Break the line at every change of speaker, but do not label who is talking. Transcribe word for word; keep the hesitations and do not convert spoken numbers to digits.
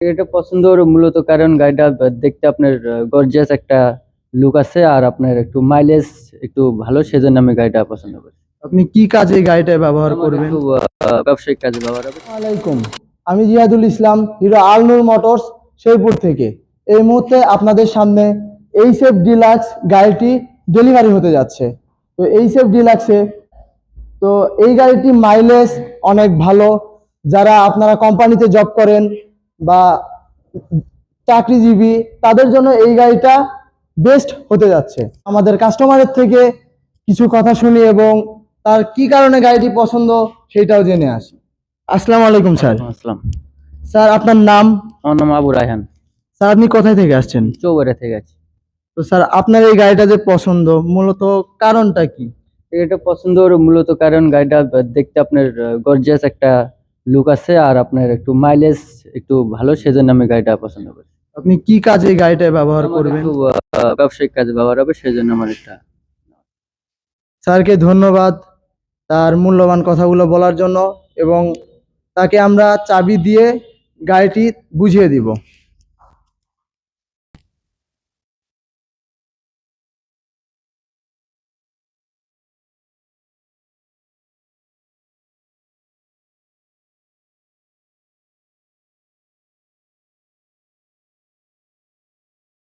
এটা পছন্দের মূলত কারণ গাড়িটা দেখতে আপনার গর্জিয়াস একটা লুক আছে, আর আপনার একটু মাইলেজ একটু ভালো, সেজন্য আমি গাড়িটা পছন্দ করি।
আপনি কি কাজে এই গাড়িটা ব্যবহার
আমার
করবেন?
একটু আহ, ব্যবসায়িক কাজে ব্যবহার হবে।
আসসালামাইকুম, আমি জিয়াদুল ইসলাম, হিরো আলনুর মোটরস শেরপুর থেকে। এই মুহূর্তে আপনাদের সামনে এইচএফ ডিলাক্স গাড়িটি ডেলিভারি হতে যাচ্ছে। তো এইচএফ ডিলাক্সে তো এই গাড়িটি মাইলেজ অনেক ভালো। যারা আপনারা কোম্পানিতে জব করেন বা চাকরিজীবী, তাদের জন্য এই গাড়িটা বেস্ট হতে যাচ্ছে। আমাদের কাস্টমারের থেকে কিছু কথা শুনি এবং তার কি কারণে গাড়িটি পছন্দ সেটাও জেনে আসি। আসসালামু আলাইকুম স্যার।
ওয়ালাইকুম আসসালাম।
স্যার, আপনার নাম?
আমার নাম আবু রায়হান।
স্যার, আপনি কোথায় থেকে আসছেন?
চৌবাড়িয়া থেকে আছি।
তো স্যার, আপনার এই গাড়িটা যে পছন্দ, মূলত কারণটা কি?
এটা পছন্দের মূলত কারণ গাড়িটা দেখতে আপনার গর্জিয়াস একটা লুক আছে, আর আপনার একটু মাইলেজ একটু ভালো, সেজন্য আমি গাড়িটা পছন্দ করি।
আপনি কি কাজে এই গাড়িটা ব্যবহার
আমার
করবেন?
একটু আহ, ব্যবসায়িক কাজে ব্যবহার হবে, সেজন্য আমার এটা।
স্যারকে ধন্যবাদ তার মূল্যবান কথাগুলো বলার জন্য, এবং তাকে আমরা চাবি দিয়ে গাড়িটি বুঝিয়ে দিব।